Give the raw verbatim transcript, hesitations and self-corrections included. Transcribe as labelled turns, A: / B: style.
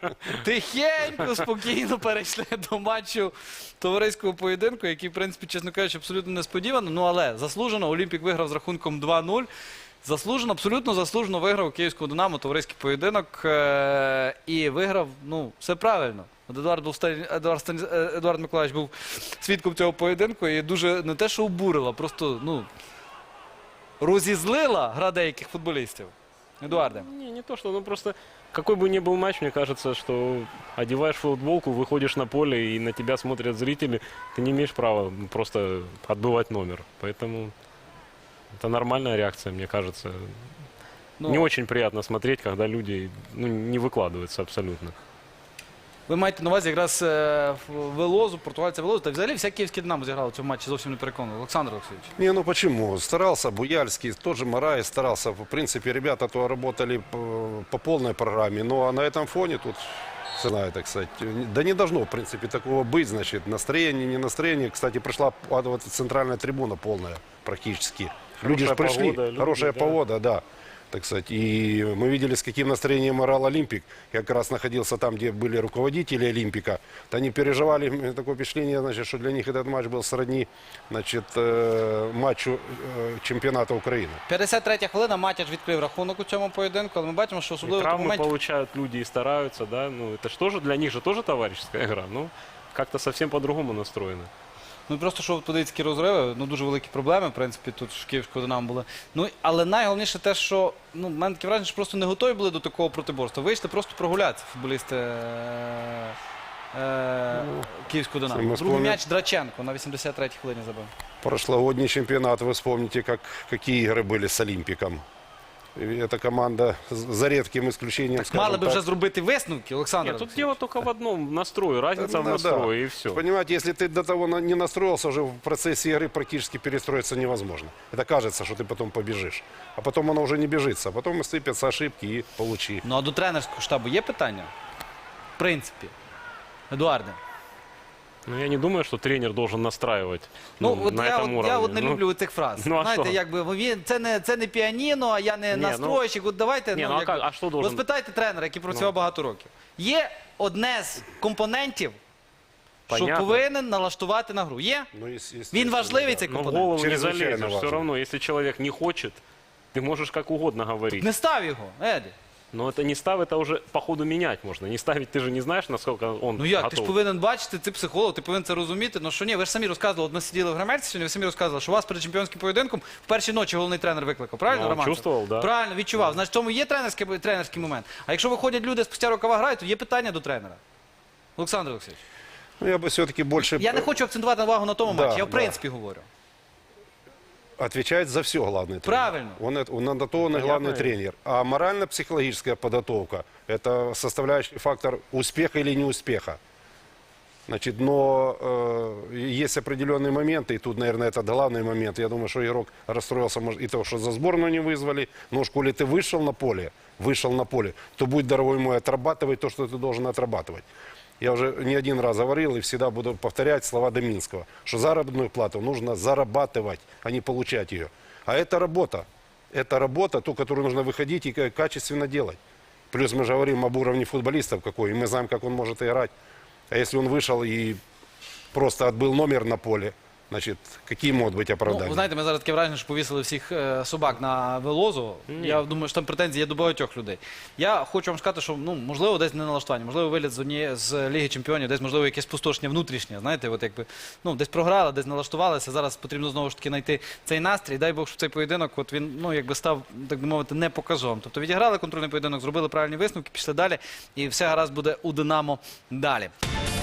A: Тихенько, спокійно перейшли до матчу товариського поєдинку, який, в принципі, чесно кажучи, абсолютно несподівано. Ну, але заслужено. Олімпік виграв з рахунком два нуль. Заслужено, абсолютно заслужено виграв у Київського Динамо товариський поєдинок. Е і виграв, ну, все правильно. Едуард, був, Едуард, Станіс... Едуард Миколаївич був свідком цього поєдинку і дуже не те, що обурила, просто, ну, розізлила гра деяких футболістів. Едуарде.
B: Не, не то, что, ну просто, какой бы ни был матч, мне кажется, что одеваешь футболку, выходишь на поле и на тебя смотрят зрители, ты не имеешь права просто отбывать номер. Поэтому это нормальная реакция, мне кажется.
A: Ну,
B: не очень приятно смотреть, когда люди, ну, не выкладываются абсолютно.
A: Ви маєте на увазі якраз е, Велозу, португальця Велозу, та взагалі вся Київське Динамо зіграло в цьому матчі, зовсім не переконано. Олександр Олексійович.
C: Не, ну почему? Старался Буяльский, тот же Мараев старался. В принципе, ребята то работали по, по полной программе. Но на этом фоне тут, не знаю, так сказать, да не должно, в принципе, такого быть. Значит, настроение, не настроение. Кстати, пришла вот центральная трибуна полная практически. Люди же пришли.
B: Погода, люди,
C: Хорошая
B: да.
C: погода, да. Так сказать, и мы видели, с каким настроением играл Олимпик. Я как раз находился там, где были руководители Олимпика. То они переживали, такое впечатление, значит, что для них этот матч был сродни, значит, э, матчу э, чемпионата Украины.
A: п'ятдесят третя хвилина, Матяч відкрив рахунок у цьому поєдинку, але ми бачимо, що
B: И
A: особливо в тому
B: травмы
A: моменті...
B: получают люди и стараются, да, ну это же тоже, для них же тоже товарищеская игра, ну как-то совсем по-другому настроено.
A: Ну просто що подивіться такі розриви, ну дуже великі проблеми, в принципі, тут в Київського Динамо були. Ну, але найголовніше те, що, ну, в мене таке враження, що просто не готові були до такого протиборства. Вийшли просто прогулятися футболісти е, е, Київського Динамо.
C: ми
A: Другий
C: вспомним-
A: м'яч Драченко на вісімдесят третій хвилині забив.
C: Прошлогодний чемпионат, вы вспомните, как, какие игры были с Олимпиком. И эта команда, за редким исключением,
A: Так мали
C: скажем
A: би вже
C: так,
A: зробити висновки, Олександр
B: Нет, тут
A: Олексійович.
B: дело только в одном, в настрое, разница в
C: Ну, да.
B: настрое и все.
C: Понимаете, если ты до того на- не настроился, уже в процессе игры практически перестроиться невозможно. Это кажется, что ты потом побежишь. А потом оно уже не бежится. А потом сыпятся ошибки и получи.
A: Ну а до тренерського штабу є питання? В принципі. Едуарде.
B: Ну, я не думаю, что тренер должен настраивать
A: Ну,
B: ну,
A: от
B: на
A: я,
B: этом
A: от,
B: уровне.
A: я от не
B: Ну,
A: люблю цих фраз.
B: ну, а
A: Знаєте,
B: що?
A: якби він це не це не піаніно, а я не
B: Ні,
A: настройщик. От давайте
B: Ні,
A: ну,
B: ну, а
A: якби,
B: як- а що должен-
A: розпитайте тренера, який працював
B: Ну.
A: багато років. Є одне з компонентів, що
B: Понятно.
A: повинен налаштувати на гру. Є?
C: Ну, ес-
A: Він
C: естественно,
A: важливий
C: да.
A: цей
B: Но в
A: компонент.
B: голову не
C: Чрезвычайно
B: залезешь. Все
C: важно.
B: равно, если человек не хочет, ты можешь как угодно говорить.
A: Не став його, Еді.
B: Но это не став, это уже по ходу менять можно. Не ставить, ты же не знаешь, насколько он
A: Ну як,
B: готов.
A: ти ж повинен бачити, ти психолог, ти повинен це розуміти. Ну що ні, ви ж самі розказували, от ми сиділи в грамерці сьогодні, ви самі розказували, що вас перед чемпіонським поєдинком в першій ночі головний тренер викликав. Правильно,
B: Ну,
A: Роман?
B: чувствував, да.
A: Правильно, відчував. Значить, в тому є тренерський, тренерський момент. А якщо виходять люди спустя рукава грають, то є питання до тренера. Олександр Олексійович.
C: Ну, я бы все-таки больше...
A: Я не хочу акцентувати увагу на тому
C: Да,
A: матчі, я в
C: да.
A: принципі говорю.
C: Отвечает за все главный тренер.
A: Правильно.
C: Он, это- он на то он и
B: Понятно.
C: главный тренер. А морально-психологическая подготовка – это составляющий фактор успеха или неуспеха. Значит, но э, есть определенные моменты, и тут, наверное, это главный момент. Я думаю, что игрок расстроился может, и того, что за сборную не вызвали. Но уж коли ты вышел на поле, вышел на поле, то будь дорогой мой, отрабатывай то, что ты должен отрабатывать. Я уже не один раз говорил и всегда буду повторять слова Доминского, что заработную плату нужно зарабатывать, а не получать ее. А это работа. Это работа, ту, которую нужно выходить и ка- качественно делать. Плюс мы же говорим об уровне футболистов какой, и мы знаем, как он может играть. А если он вышел и просто отбыл номер на поле, значит, какие могут быть
A: Ну,
C: оправдания?
A: ви знаєте, ми зараз таке враження, що повісили всіх е, собак на Велозу. Я думаю, що там претензії є до багатьох людей. Я хочу вам сказати, що, ну, можливо, десь не налаштування, можливо, виліт з однієї з Ліги Чемпіонів, десь, можливо, якесь спустошення внутрішнє, знаєте, от якби, ну, десь програли, десь налаштувалися, зараз потрібно знову ж таки знайти цей настрій. Дай Бог, щоб цей поєдинок, от він, ну, якби став, так би мовити, не показовим. Тобто відіграли контрольний поєдинок, зробили правильні висновки, пішли далі, і все гаразд буде у Динамо далі.